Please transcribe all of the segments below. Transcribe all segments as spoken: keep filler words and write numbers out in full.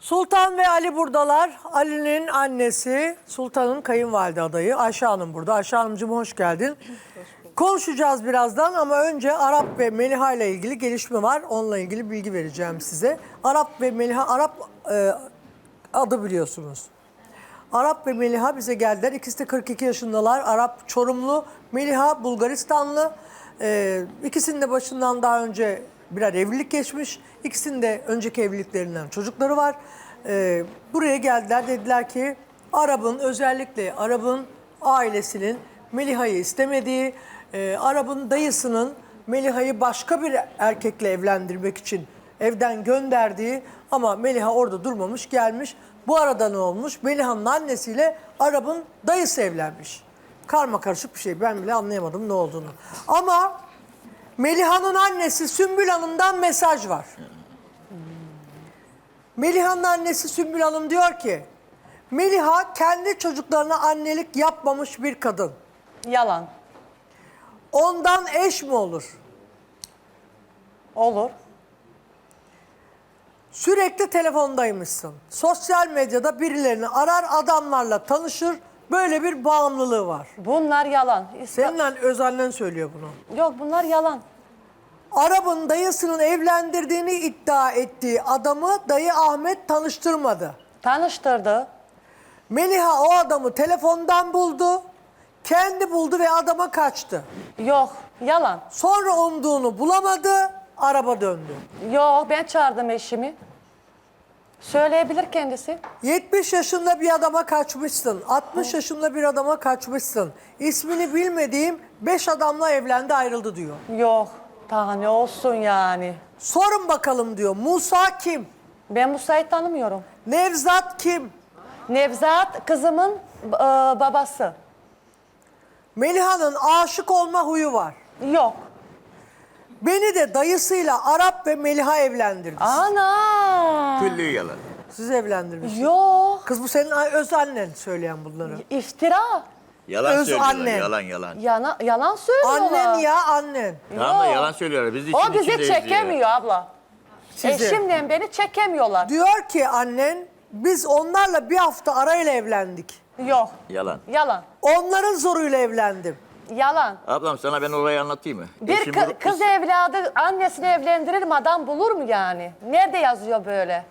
Sultan ve Ali buradalar. Ali'nin annesi, Sultan'ın kayınvalide adayı Ayşe Hanım burada. Ayşe Hanımcığım hoş geldin. Hoş Konuşacağız birazdan ama önce Arap ve Meliha ile ilgili gelişme var. Onunla ilgili bilgi vereceğim size. Arap ve Meliha, Arap e, adı biliyorsunuz. Arap ve Meliha bize geldiler. İkisi de kırk iki yaşındalar. Arap Çorumlu, Meliha Bulgaristanlı. E, ikisinin de başından daha önce birer evlilik geçmiş. İkisinin de önceki evliliklerinden çocukları var. Ee, buraya geldiler, dediler ki Arap'ın, özellikle Arap'ın ailesinin Meliha'yı istemediği, e, Arap'ın dayısının Meliha'yı başka bir erkekle evlendirmek için evden gönderdiği, ama Meliha orada durmamış, gelmiş. Bu arada ne olmuş? Meliha'nın annesiyle Arap'ın dayısı evlenmiş. Karma karışık bir şey, ben bile anlayamadım ne olduğunu. Ama Meliha'nın annesi Sümbül Hanım'dan mesaj var. Meliha'nın annesi Sümbül Hanım diyor ki, Meliha kendi çocuklarına annelik yapmamış bir kadın. Yalan. Ondan eş mi olur? Olur. Sürekli telefondaymışsın. Sosyal medyada birilerini arar, adamlarla tanışır. Böyle bir bağımlılığı var. Bunlar yalan. İsta- Senin an- öz annen söylüyor bunu. Yok, bunlar yalan. Arap'ın dayısının evlendirdiğini iddia ettiği adamı dayı Ahmet tanıştırmadı. Tanıştırdı. Meliha o adamı telefondan buldu. Kendi buldu ve adama kaçtı. Yok, yalan. Sonra umduğunu bulamadı, araba döndü. Yok, ben çağırdım eşimi. Söyleyebilir kendisi. yetmiş yaşında bir adama kaçmışsın. altmış yaşında bir adama kaçmışsın. İsmini bilmediğim beş adamla evlendi, ayrıldı diyor. Yok, daha ne olsun yani. Sorun bakalım diyor. Musa kim? Ben Musa'yı tanımıyorum. Nevzat kim? Nevzat kızımın e, babası. Meliha'nın aşık olma huyu var. Yok. Beni de dayısıyla Arap ve Meliha evlendirdi. Ana. Külli yalan. Siz evlendirmiş. Yok. Kız bu senin öz annen söyleyen bunları. İftira. Yalan Öz söylüyorlar. annen. Yalan yalan. Yana, yalan söylüyorlar. Annen ya annen. Tamam da Yok. yalan söylüyorlar. Biz de işin O bizi içindeyiz çekemiyor abla. Sizi. Eşimle beni çekemiyorlar. Diyor ki annen, biz onlarla bir hafta arayla evlendik. Yok. Yalan. Yalan. Onların zoruyla evlendim. Yalan. Ablam sana ben olayı anlatayım mı? Bir Eşim kı- bu- kız evladı annesini evlendirir mi, adam bulur mu yani? Nerede yazıyor böyle?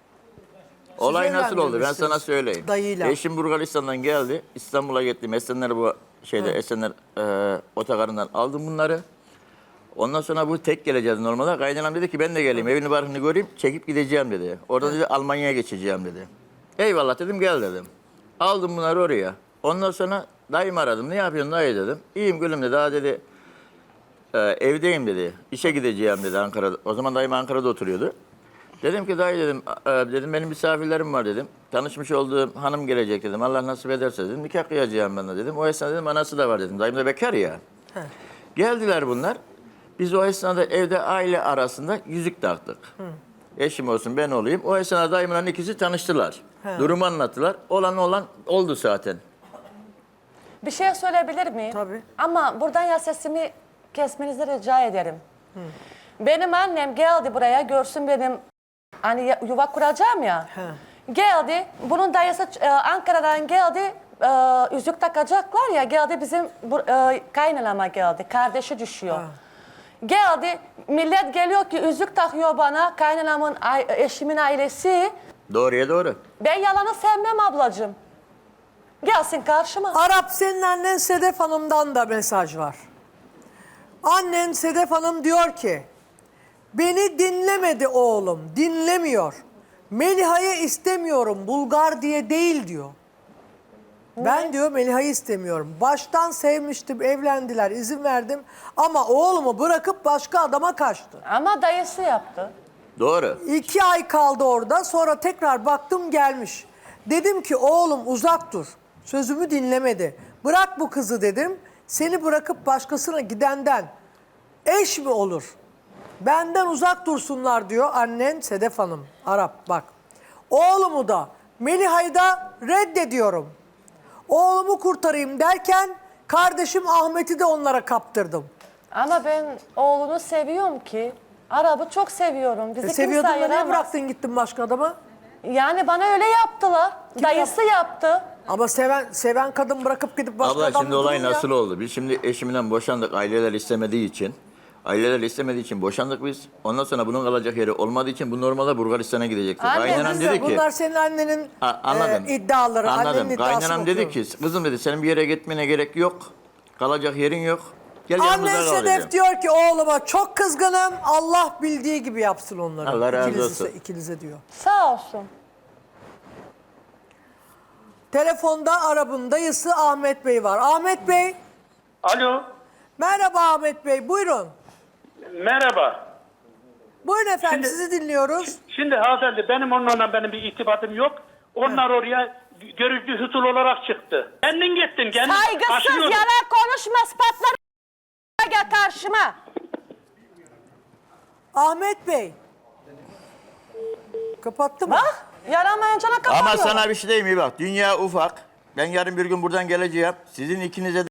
Olay nasıl oldu ben evlendirmişsiniz sana söyleyeyim. dayıyla. Eşim Bulgaristan'dan geldi. İstanbul'a gittim. Esenler bu şeyde Esenler e, otogarından aldım bunları. Ondan sonra bu tek geleceğiz normalde. Kaynanam dedi ki ben de geleyim evini barkını göreyim çekip gideceğim dedi. Orada dedi Almanya'ya geçeceğim dedi. Eyvallah dedim gel dedim. Aldım bunları oraya. Ondan sonra dayımı aradım. Ne yapıyorsun dayı dedim. İyiyim gülüm dedi. Daha dedi e, evdeyim dedi. İşe gideceğim dedi Ankara'da. O zaman dayım Ankara'da oturuyordu. Dedim ki dayı dedim, e, dedim benim misafirlerim var dedim. Tanışmış olduğum hanım gelecek dedim. Allah nasip ederse dedim. Nikah kıyacağım ben de dedim. O esnada dedim anası da var dedim. Dayım da bekar ya. Heh. Geldiler bunlar. Biz o esnada evde aile arasında yüzük taktık. Hı. Eşim olsun ben olayım. O esnada dayımla ikisi tanıştılar. He. Durumu anlattılar. Olan olan oldu zaten. Bir şey söyleyebilir miyim? Tabii. Ama buradan ya sesimi kesmenizi rica ederim. Benim annem geldi buraya, görsün benim hani ya- yuva kuracağım ya. He. Geldi, bunun dayısı e, Ankara'dan geldi, e, yüzük takacaklar ya, geldi bizim bu, e, kaynanama geldi, kardeşi düşüyor. Ha. Geldi, millet geliyor ki yüzük takıyor bana, kaynanamın, ay- eşimin ailesi. Doğruya doğru. Ben yalanı sevmem ablacığım. Gelsin karşıma. Arap, senin annen Sedef Hanım'dan da mesaj var. Annen Sedef Hanım diyor ki, beni dinlemedi oğlum, dinlemiyor. Meliha'yı istemiyorum, Bulgar diye değil diyor. Ben diyor Meliha'yı istemiyorum. Baştan sevmiştim, evlendiler, izin verdim. Ama oğlumu bırakıp başka adama kaçtı. Ama dayısı yaptı. Doğru. İki ay kaldı orada, sonra tekrar baktım gelmiş. Dedim ki oğlum uzak dur. Sözümü dinlemedi. Bırak bu kızı dedim. Seni bırakıp başkasına gidenden eş mi olur? Benden uzak dursunlar diyor annen Sedef Hanım. Arap bak. Oğlumu da Meliha'yı da reddediyorum. Oğlumu kurtarayım derken kardeşim Ahmet'i de onlara kaptırdım. Ama ben oğlunu seviyorum ki. Arabı çok seviyorum. Bizi E, kimse seviyordun da niye ayıramaz. bıraktın gittin başka adama? Yani bana öyle yaptılar. Dayısı yaptı. Ama seven seven kadın bırakıp gidip başka Abla adamla şimdi olay durur ya. nasıl oldu? Biz şimdi eşimden boşandık. Aileler istemediği için. Aileler istemediği için boşandık biz. Ondan sonra bunun kalacak yeri olmadığı için bu normalde Bulgaristan'a gidecekti. Anne, Kaynanam Biz dedi de- ki... Bunlar senin annenin Ha, anladım. e, iddiaları. Anladım. Annenin iddiasını Kaynanam dedi okuyorum. ki kızım dedi senin bir yere gitmene gerek yok. Kalacak yerin yok. Gel yanımızda Annen kal Sedef dedi. diyor ki oğluma çok kızgınım. Allah bildiği gibi yapsın onları. Allah razı İkinize- olsun. ikinize diyor. Sağ olsun. Telefonda Arap'ın dayısı Ahmet Bey var. Ahmet Bey. Alo, Merhaba Ahmet Bey. Buyurun. merhaba. Buyurun efendim Şimdi- sizi dinliyoruz. Şimdi hanımefendi benim onlarla benim bir irtibatım yok. Onlar oraya görücü husul olarak çıktı. Kendin gittin, kendin Saygısız aşıyordun. yalan konuşma ispatları gel karşıma. Ahmet Bey. Kapattı mı? Bak yaramayınca ne kapatıyor. Ama sana bir şey diyeyim mi bak. Dünya ufak. Ben yarın bir gün buradan geleceğim. Sizin ikinize de...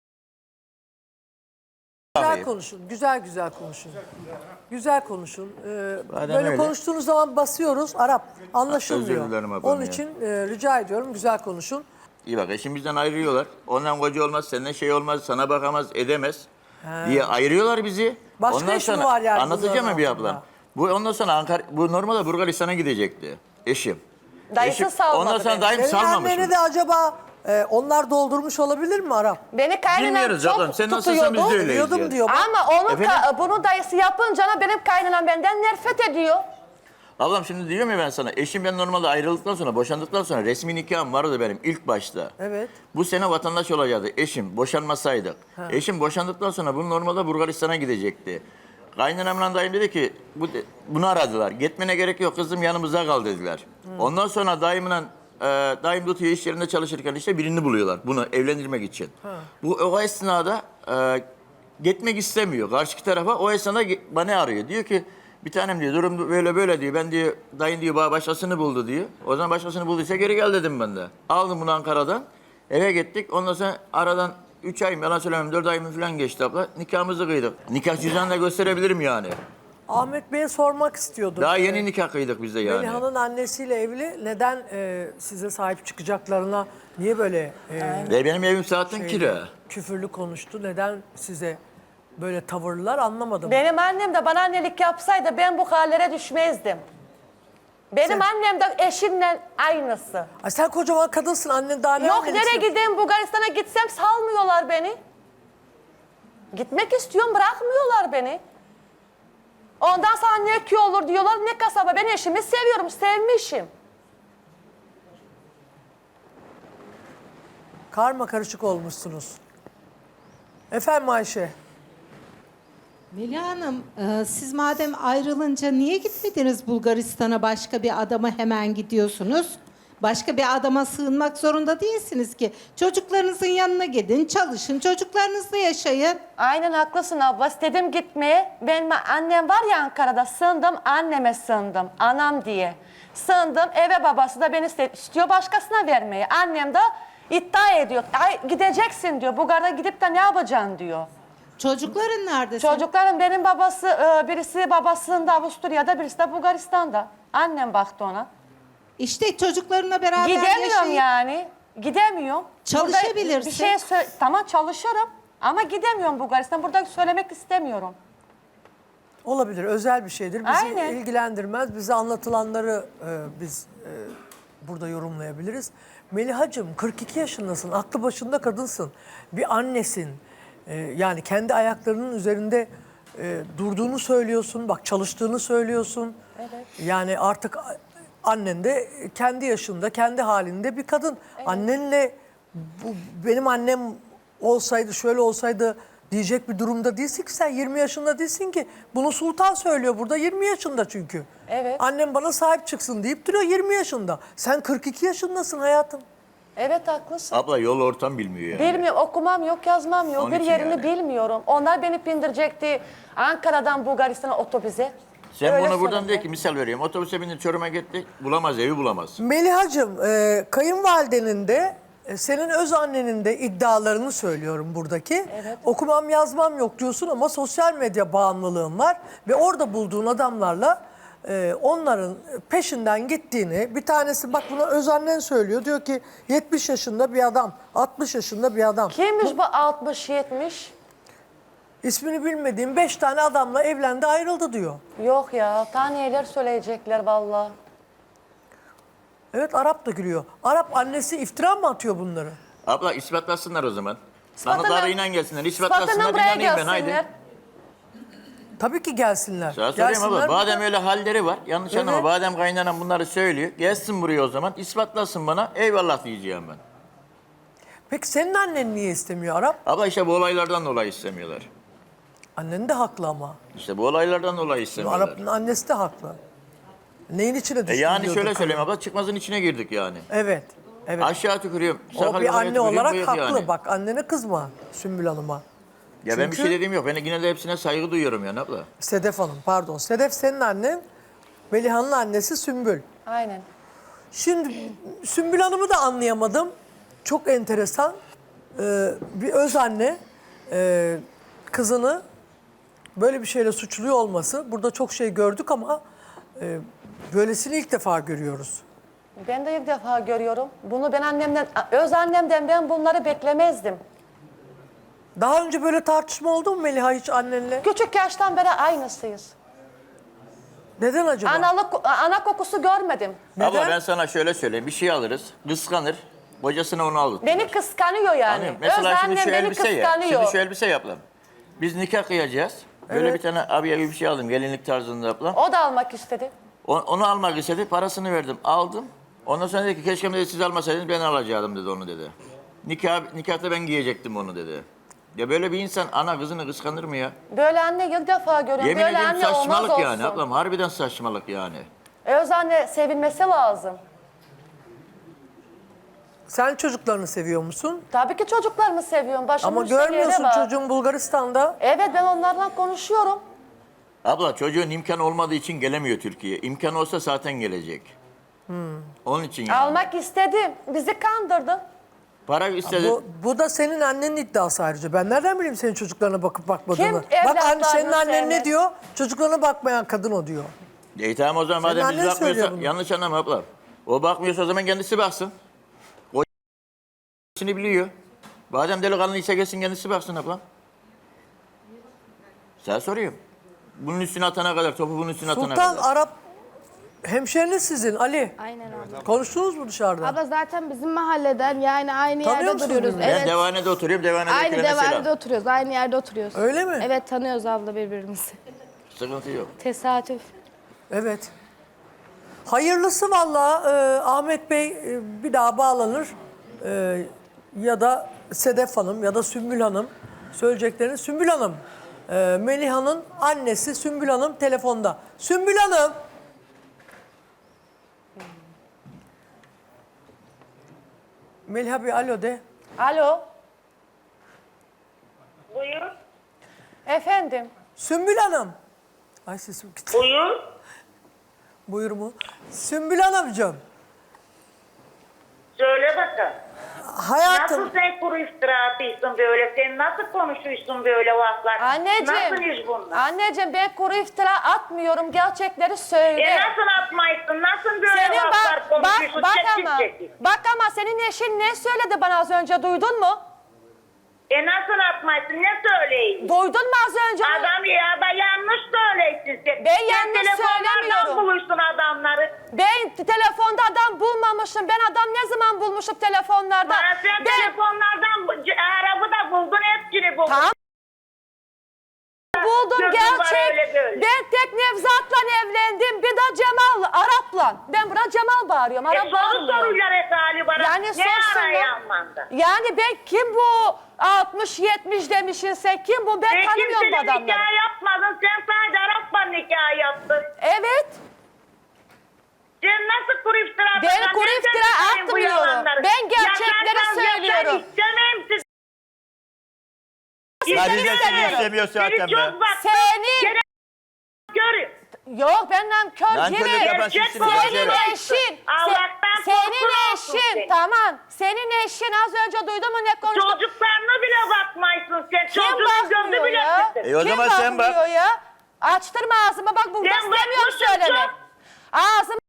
Güzel konuşun. Güzel güzel konuşun. Güzel konuşun. Ee, Madem böyle öyle. konuştuğunuz zaman basıyoruz. Arap anlaşılmıyor. Özür dilerim ablam Onun ya. için e, rica ediyorum güzel konuşun. İyi bak eşim bizden ayrılıyorlar. Ondan koca olmaz, senden şey olmaz, sana bakamaz, edemez diye ayırıyorlar bizi. Başka iş mi var yani Anlatacağım bunların mı bir altında? ablam? Bu ondan sonra Ankara, bu normalde Bulgaristan'a gidecekti eşim. Dayısı Eşim- salmadı Ondan sonra beni. dayım Senin salmamış. anneni mı? de acaba e, onlar doldurmuş olabilir mi Arap? Beni kaynanam Bilmiyoruz çok ablam. Sen nasılsan biz de tutuyordu. öyleyiz Biliyordum yani. diyor. Bak. Ama onun Efendim? ka- bunu dayısı yapınca benim kaynanam benden nefret ediyor. Ablam şimdi diyorum ya ben sana, eşim ben normalde ayrıldıktan sonra, boşandıktan sonra resmi nikahım vardı benim ilk başta. Evet. Bu sene vatandaş olacaktı eşim, boşanmasaydık. Eşim boşandıktan sonra bu normalde Bulgaristan'a gidecekti. Kaynanamla dayım dedi ki, bu, bunu aradılar. Gitmene gerek yok kızım yanımızda kal dediler. Ondan sonra dayımla, e, dayım tutuyor iş yerinde çalışırken işte birini buluyorlar bunu evlendirmek için. Bu o esnada e, gitmek istemiyor karşı tarafa. O esnada ge- bana arıyor. Diyor ki bir tanem diyor durum böyle böyle diyor. Ben diyor dayın diyor bana başkasını buldu diyor. O zaman başkasını bulduysa geri gel dedim ben de. Aldım bunu Ankara'dan. Eve gittik. Ondan sonra aradan üç ay mı yalan söylemem dört ay mı falan geçti abla. Nikahımızı kıydık. Nikah cüzdanını da gösterebilirim yani. Ahmet Bey'e sormak istiyordum. Daha Ee, yeni nikah kıydık biz de yani. Meliha'nın annesiyle evli. Neden e, size sahip çıkacaklarına niye böyle e, Ve benim evim zaten şeyli, kira. küfürlü konuştu? Neden size böyle tavırlar anlamadım. Benim annem de bana annelik yapsaydı ben bu hallere düşmezdim. Benim Sen- annem de eşimle aynısı. Ay sen kocaman kadınsın annen daha ne Yok annelik nereye yapıyor? gideyim Bulgaristan'a gitsem salmıyorlar beni. Gitmek istiyorum bırakmıyorlar beni. Ondan sonra ne köy olur diyorlar ne kasaba. Ben eşimi seviyorum sevmişim. Karma karışık olmuşsunuz. Efendim Ayşe. Melih Hanım, e, siz madem ayrılınca niye gitmediniz Bulgaristan'a, başka bir adama hemen gidiyorsunuz? Başka bir adama sığınmak zorunda değilsiniz ki. Çocuklarınızın yanına gidin, çalışın, çocuklarınızla yaşayın. Aynen haklısın abla. İstedim gitmeye. Benim annem var ya Ankara'da sığındım. Anneme sığındım. Anam diye. Sığındım. Eve babası da beni iste- istiyor başkasına vermeyi. Annem de iddia ediyor. Ay gideceksin diyor. Bulgar'a gidip de ne yapacaksın diyor. Çocukların nerede? senin? Çocukların benim babası, e, birisi babasında Avusturya'da, birisi de Bulgaristan'da. Annem baktı ona. İşte çocuklarına beraber Gidemiyorum yaşayın. yani. Gidemiyorum. Çalışabilirsin. Burada bir şey sö- tamam çalışırım ama gidemiyorum Bulgaristan. Burada söylemek istemiyorum. Olabilir, özel bir şeydir. Bizi Aynen. ilgilendirmez. Bize anlatılanları e, biz e, burada yorumlayabiliriz. Melihacığım kırk iki yaşındasın, aklı başında kadınsın. Bir annesin. E, yani kendi ayaklarının üzerinde e, durduğunu söylüyorsun. Bak çalıştığını söylüyorsun. Evet. Yani artık annen de kendi yaşında, kendi halinde bir kadın. Annenle bu, benim annem olsaydı, şöyle olsaydı diyecek bir durumda değilsin ki sen yirmi yaşında değilsin ki. Bunu Sultan söylüyor burada yirmi yaşında çünkü. Evet. Annem bana sahip çıksın deyip duruyor yirmi yaşında. Sen kırk iki yaşındasın hayatım. Evet haklısın. Abla yol ortam bilmiyor yani. Bilmiyorum okumam yok yazmam yok Onun bir için yerini yani. bilmiyorum. Onlar beni bindirecekti Ankara'dan Bulgaristan'a otobüse. Sen Öyle bunu buradan söyledi. de ki misal veriyorum. Otobüse bindir Çorum'a gitti. Bulamaz evi bulamaz. Melihacığım e, kayınvalidenin de e, senin öz annenin de iddialarını söylüyorum buradaki. Evet. Okumam yazmam yok diyorsun ama sosyal medya bağımlılığın var. Ve orada bulduğun adamlarla e, onların peşinden gittiğini, bir tanesi bak buna özannen söylüyor. Diyor ki yetmiş yaşında bir adam, altmış yaşında bir adam. Kimmiş bu altmış yetmiş? İsmini bilmediğim beş tane adamla evlendi ayrıldı diyor. Yok ya, taneler söyleyecekler vallahi. Evet, Arap da gülüyor. Arap annesi iftira mı atıyor bunları? Abla ispatlasınlar o zaman. İspatına- Sanatlarıyla gelsinler. İspatına İspatlasınlar buraya inanayım ben gelsinler. haydi. Tabii ki gelsinler. Sana söyleyeyim abla. Gelsinler Madem burada. öyle halleri var. Yanlış Evet. anlama. Madem kaynanan bunları söylüyor. Gelsin buraya o zaman. ispatlasın bana. Eyvallah diyeceğim ben. Peki senin annen niye istemiyor Arap? Abla işte bu olaylardan dolayı istemiyorlar. Annen de haklı ama. İşte bu olaylardan dolayı istemiyorlar. Arap'ın annesi de haklı. Neyin içine E düştü yani diyordu şöyle kadın. söyleyeyim abla. Çıkmazın içine girdik yani. Evet. Evet. Aşağı tükürüyorum. O sakal bir yukarıya anne tükürüyorum, olarak bıyık haklı. yani. Bak annene kızma Sümbül Hanım'a. Ya ben bir Çünkü- şey dediğim yok. Ben yine de hepsine saygı duyuyorum yani abla. Sedef Hanım pardon. Sedef senin annen. Melihan'ın annesi Sümbül. Aynen. Şimdi Sümbül Hanım'ı da anlayamadım. Çok enteresan. Ee, bir öz anne e, kızını böyle bir şeyle suçluyor olması. Burada çok şey gördük ama e, böylesini ilk defa görüyoruz. Ben de ilk defa görüyorum. Bunu ben annemden, öz annemden ben bunları beklemezdim. Daha önce böyle tartışma oldu mu Meliha hiç annenle? Küçük yaştan beri aynısıyız. Neden acaba? Analık, ana kokusu görmedim. Neden? Abla ben sana şöyle söyleyeyim. Bir şey alırız. Kıskanır. Kocasına onu alır. Beni kıskanıyor yani. Anlıyorum. Mesela öz şimdi annem şu beni elbise ya. kıskanıyor. Şimdi şu elbise yapalım. Biz nikah kıyacağız. Böyle Evet. bir tane abiye bir şey aldım. Gelinlik tarzında yapalım. O da almak istedi. O- Onu almak istedi. Parasını verdim. Aldım. Ondan sonra dedi ki keşke dedi, siz almasaydınız ben alacaktım dedi onu dedi. Nikah, nikahta ben giyecektim onu dedi. Ya böyle bir insan ana kızını kıskanır mı ya? Böyle anne ilk defa görüyorum. Yemin Böyle ediyorum anne olmaz saçmalık olsun. yani ablam. Harbiden saçmalık yani. Öz anne sevilmesi lazım. Sen çocuklarını seviyor musun? Tabii ki çocuklarımı seviyorum. Başımın Ama üstünde yeri görmüyorsun var. çocuğun Bulgaristan'da. Evet ben onlarla konuşuyorum. Abla çocuğun imkan olmadığı için gelemiyor Türkiye'ye. İmkan olsa zaten gelecek. Onun için yani. Almak istedim. Bizi kandırdı. Para istedi. Bu, bu da senin annenin iddiası ayrıca. Ben nereden bileyim senin çocuklarına bakıp bakmadığını? Kim Bak anne, senin evlatlarını annen ne sevmez? diyor? Çocuklarına bakmayan kadın o diyor. E tamam o zaman Senin madem biz annen söylüyor bakmıyorsa bunu. yanlış anlama abla. O bakmıyorsa o zaman kendisi baksın. O biliyor. Madem delikanlıysa gelsin kendisi baksın abla. Sen soruyorum. Bunun üstüne atana kadar, topu bunun üstüne atana Sultan kadar. Arap hemşeriniz sizin Ali. Aynen abla. Konuştunuz mu dışarıda? Abla zaten bizim mahalleden yani aynı Tanıyor yerde musun duruyoruz. birbirini? Ben Evet. devanede oturuyorum, devanede Aynı selam. devarda oturuyoruz. Aynı yerde oturuyoruz. Öyle mi? Evet tanıyoruz abla birbirimizi. Sıkıntı yok. Tesadüf. Evet. Hayırlısı vallahi e, Ahmet Bey e, bir daha bağlanır. E, ya da Sedef Hanım ya da Sümbül Hanım söyleyeceklerini. Sümbül Hanım, e, Meliha'nın annesi Sümbül Hanım telefonda. Sümbül Hanım. Meliha bir alo de. Alo. Buyur. Efendim. Sümbül Hanım. Ay sesim gitti. Buyur. Buyur mu? Sümbül Hanımcığım. Söyle bakalım. Hayatım. Nasıl sen kuru iftira atıyorsun böyle? Sen nasıl konuşuyorsun böyle laflar? Nasıl Anneciğim. iş bunlar? Anneciğim ben kuru iftira atmıyorum. Gerçekleri söyle. E nasıl atmaysın? Nasıl böyle Senin laflar bak, bak, konuşuyorsun? bak Çekil ama, çekil. bak ama senin eşin ne söyledi bana az önce duydun mu? E nasıl atmaysın? Ne söyleyeyim? Duydun mu az önce? Adam ya da yanlış söyleysin sen. Ben Sen yanlış telefonlardan söylemiyorum. buluştun adamları. Ben telefonda adam bulmamışım. Ben adam ne zaman bulmuşum telefonlarda? Bana sen ben telefonlardan bu- c- Arabı da buldun, hepsini buldun. Tamam. buldum Gözün var gerçek. öyle böyle. Ben tek Nevzat'la evlendim. Bir de Cemal Arap'la. Ben buna Cemal bağırıyorum. E Arap soru bağırmıyorum. soruyorlar hep hali bana. Yani ne sorsunlar. araya almanda? Yani ben kim bu altmış yetmiş demişsin sen? Kim bu? Ben Sen tanımıyorum bu kimsenin adamları. nikah yapmadın. Sen sadece Arap'la nikah yaptın. Evet. Sen nasıl kuru iftira Ben atıyorsun? kuru Nereden iftira çıkarıyorsun bu atmıyorum. yalanları? Ben gerçekleri Yaşarsan söylüyorum. Yaşar istemem siz. Ya biz de seni istemiyorum. istemiyoruz zaten Seni be. çok baktım. Senin... Gene görün. Yok benden kör Nankörlük gibi. yapan Gerçek sizsiniz. bu. Senin hemşerim. eşin. Allah'tan se- senin korkun olsun eşin. senin. Tamam. Senin eşin az önce duydun mu ne konuştu? Çocuklarına bile bakmaysın sen. Kim Çocuğun gözü bakmıyor bile ya? kısır. E o Kim zaman sen bak. bakmıyor ya? Açtırma ağzımı, bak burada Sen istemiyorum bakmışsın söylemek. çok. Ağzımı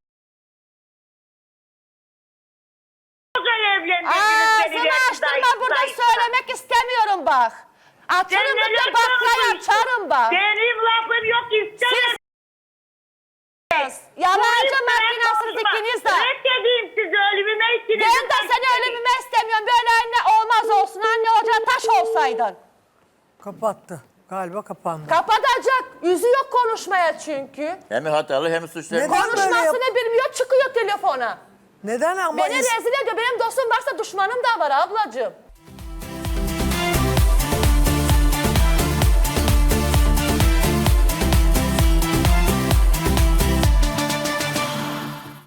Güzel evlendirdiniz beni. Ağzımı açtırma, burada söylemek istemiyorum bak. Sen Açarım da neler bir baklayı söylüyorsun? açarım bak. Benim lafım yok istemem. Siz yalancı makinasınız ikiniz de. Reddedeyim sizi ölümüme ikiniz. Ben de seni ölümüme istemiyorum. Böyle anne olmaz olsun. Anne olacaksın, taş olsaydın. Kapattı. Galiba kapandı. Kapatacak. Yüzü yok konuşmaya çünkü. Hem hatalı hem suçlu. Neden böyle yap- Konuşmasını bilmiyor, çıkıyor telefona. Neden ama Beni is- rezil ediyor. Benim dostum varsa düşmanım da var ablacığım.